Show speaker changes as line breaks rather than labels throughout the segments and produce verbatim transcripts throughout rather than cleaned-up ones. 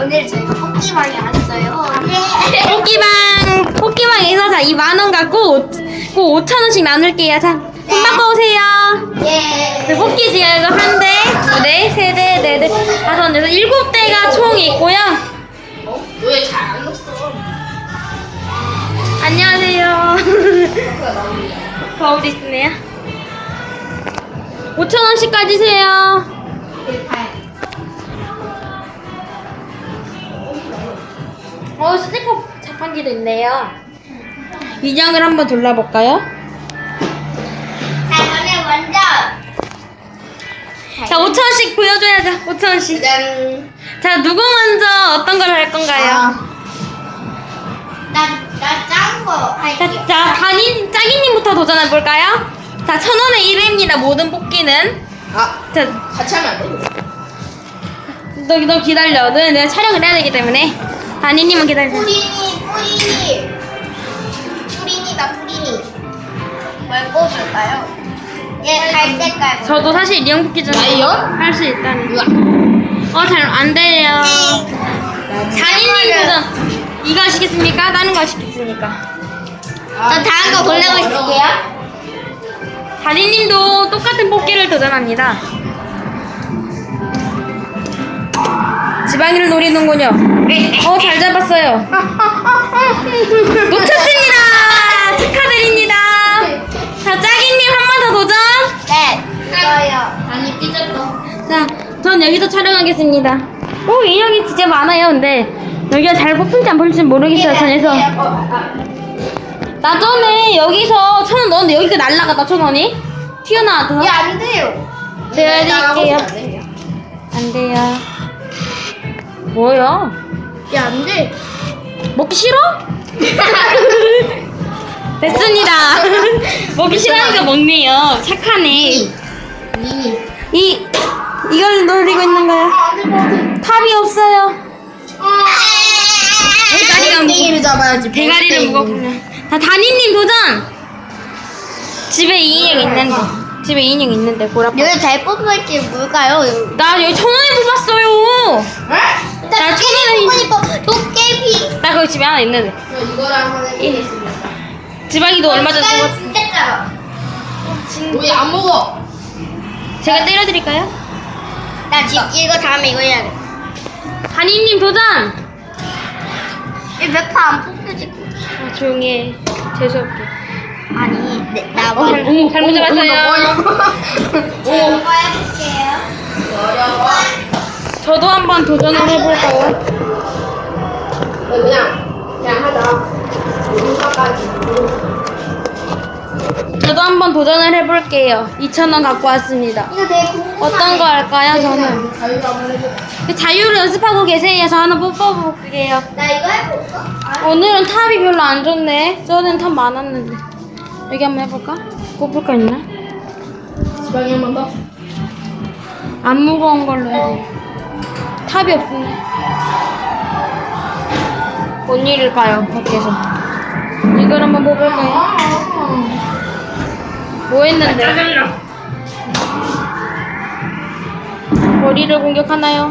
오늘 저희가 뽑기방에 왔어요. 네.
뽑기방 뽑기방에서 자 이 만 원 갖고 꼭 오천 원씩 나눌게요. 자, 돈 받고 오세요.
예.
네, 뽑기 지금 이거 한 대, 두 대, 세 대, 네 대, 다섯 대, 일곱 대가 총 있고요.
어? 왜 잘 안 넣었어?
안녕하세요. 거울이 있네요. 오천 원씩 가지세요. 어, 스티커 자판기도 있네요. 인형을 한번 돌려볼까요?
자, 저는 먼저.
자, 오천 원씩 보여줘야죠. 오천 원씩.
짠.
자, 누구 먼저 어떤 걸 할 건가요?
나, 나 짠 거 할게요.
자, 자, 단인, 짜기님부터 도전해볼까요? 자, 천 원의 일 회입니다. 모든 뽑기는.
아,
자,
같이 하면 안 돼?
너, 너 기다려. 너는 내가 촬영을 해야 되기 때문에. 단인님은 기다려.
뿌리니, 뿌리니. 뿌리니다, 뿌리니. 뭘 뽑을까요? 얘 갈색깔.
저도 사실 인형 뽑기 전에
라이언?
할 수 있다는. 어, 잘 안 돼요. 단인님 도전. 이거 하시겠습니까? 다른 거 하시겠습니까?
저 다음 거 고르고 있을게요.
다리님도 똑같은 뽑기를 도전합니다. 지방이를 노리는군요. 어, 잘 잡았어요. 놓쳤습니다. 축하드립니다. 자, 짜기님 한 번 더 도전.
네. 이거요. 아니, 삐졌어.
자, 전 여기서 촬영하겠습니다. 오, 인형이 진짜 많아요. 근데 여기가 잘 뽑힐지 안 뽑힐지 모르겠어요. 전에서. 나 전에 여기서 천 원 넣었는데 여기가 날라갔다, 천 원이. 튀어나와서.
얘 안 돼요.
내려드릴게요. 안 돼요. 뭐야?
얘 안 돼.
먹기 싫어? 됐습니다. 먹기 싫어하니까 먹네요. 착하네.
미니.
이, 이걸 노리고 있는 거야. 탑이 없어요. 대가리가
땡이를 잡아야지.
대가리를 무겁군요. 자, 다니님 도전! 집에 이 인형 있는데. 집에 이 인형 있는데, 보라파.
여기 잘 뽑을 게 뭘까요?
나 여기 천 원에 뽑았어요. 나 천 원에.
뽑으니까 도깨비.
나 거기 집에 하나 있는데.
저 이거랑 한번 해보겠습니다.
지방이도 얼마 전에
이거
뽑았
진짜 짜요. 왜 안 먹어?
제가 때려드릴까요?
나 지금 이거 다음에 이거 해야 돼.
다니님 도전!
이몇판안 뽑혀지고.
아, 조용히 해. 재수없게.
아니, 네, 나
어,
먼저.
잘- 잘못 잡았어요.
오. 이거 해볼게요. 어려워.
저도 한번 도전을 해볼까요?
그냥 그냥 하자.
저도 한번 도전을 해볼게요. 이천 원 갖고 왔습니다.
이거 내 궁금한.
어떤 거 할까요, 저는?
자유로 한번 해볼게.
자유를 연습하고 계세요. 저 하나 뽑아볼게요.
나 이거 해볼까? 아,
오늘은 탑이 별로 안 좋네. 저는 탑 많았는데. 여기 한번 해볼까? 뽑을 거 있나?
지방이 한 번 더.
안 무거운 걸로 해야 돼. 탑이 없네. 뭔 일일까요, 밖에서? 이걸 한번 뽑을까요? 뭐 했는데? 머리를 공격하나요?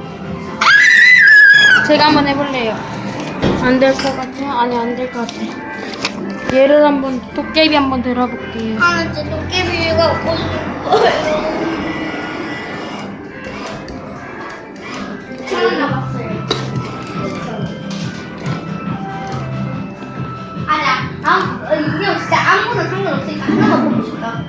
제가 한번 해볼래요. 안 될 것 같아요? 아니, 안 될 것 같아요. 얘를 한번, 도깨비 한번 들어볼게요.
하는 저 도깨비가 먹고 싶은 거예요. 천 원 남았어요. 아니야, 아무, 어, 인형 진짜 아무거나 상관없으니까 하나만 보고 싶다.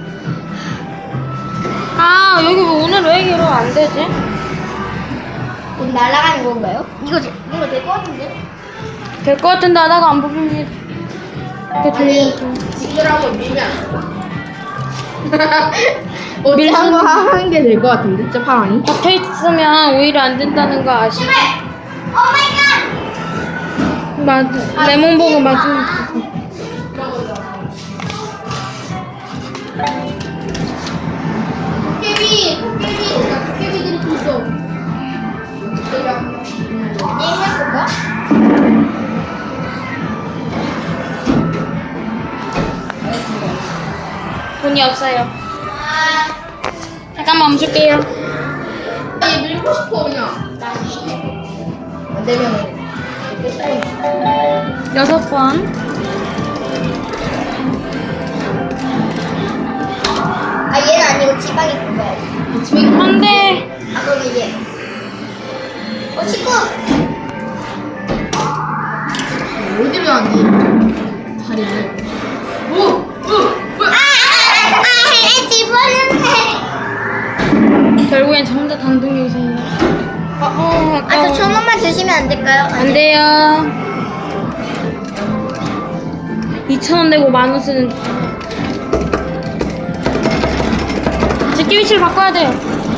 아, 여기 왜 오늘 왜 이렇게 안 되지?
오늘 날아가는 건가요? 이거, 제- 이거 될 것 같은데?
될 것 같은데 하다가 안 뽑힙니다. 이렇게 들리니까.
지그라고 밀면 어제 한번 하는 게 될 것 같은데, 진짜 파랑이?
박혀 있으면 오히려 안 된다는 거 아시죠? 맞아. 레몬 보고 맞으면 좋겠어.
도깨비, 도깨비, 나 도깨비들이 또 있어. 얘 해볼까?
돈이 없어요. 잠깐만 멈출게요.
얘 밀고 싶어, 그냥. 되면 끝나는
여섯 번.
아 얘는 아니고 지방이 뽑아야지. 지방이
안 돼.
아 그럼 이제 어 친구
어디로 왔니? 다리를. 오! 오! 뭐야?
아아아 집어넣네.
결국엔 전부 다 단독 영상이야. 어, 어,
아
아까워.
저 천원만 주시면 안 될까요?
안 돼요. 이천 원 내고 만 원 쓰는. 제끼 위치를 바꿔야 돼요.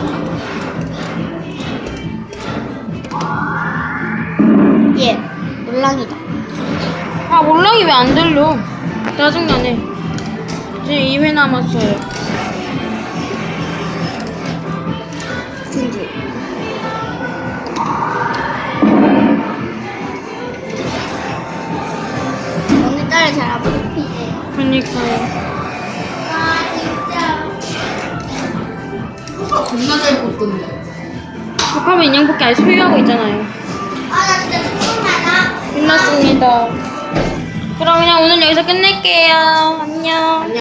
예 물랑이다.
아, 몰랑이 왜 안 들려? 짜증나네. 지금 이 회 남았어요.
진주. 오늘따라 잘 안 뽑히네요.
그러니까요.
아 진짜.
호가 겁나 잘 뽑던데.
복합은 인형뽑기 아예 소유하고 있잖아요.
아나 진짜 조금만
끝났습니다. 그럼 그냥 오늘 여기서 끝낼게요. 안녕.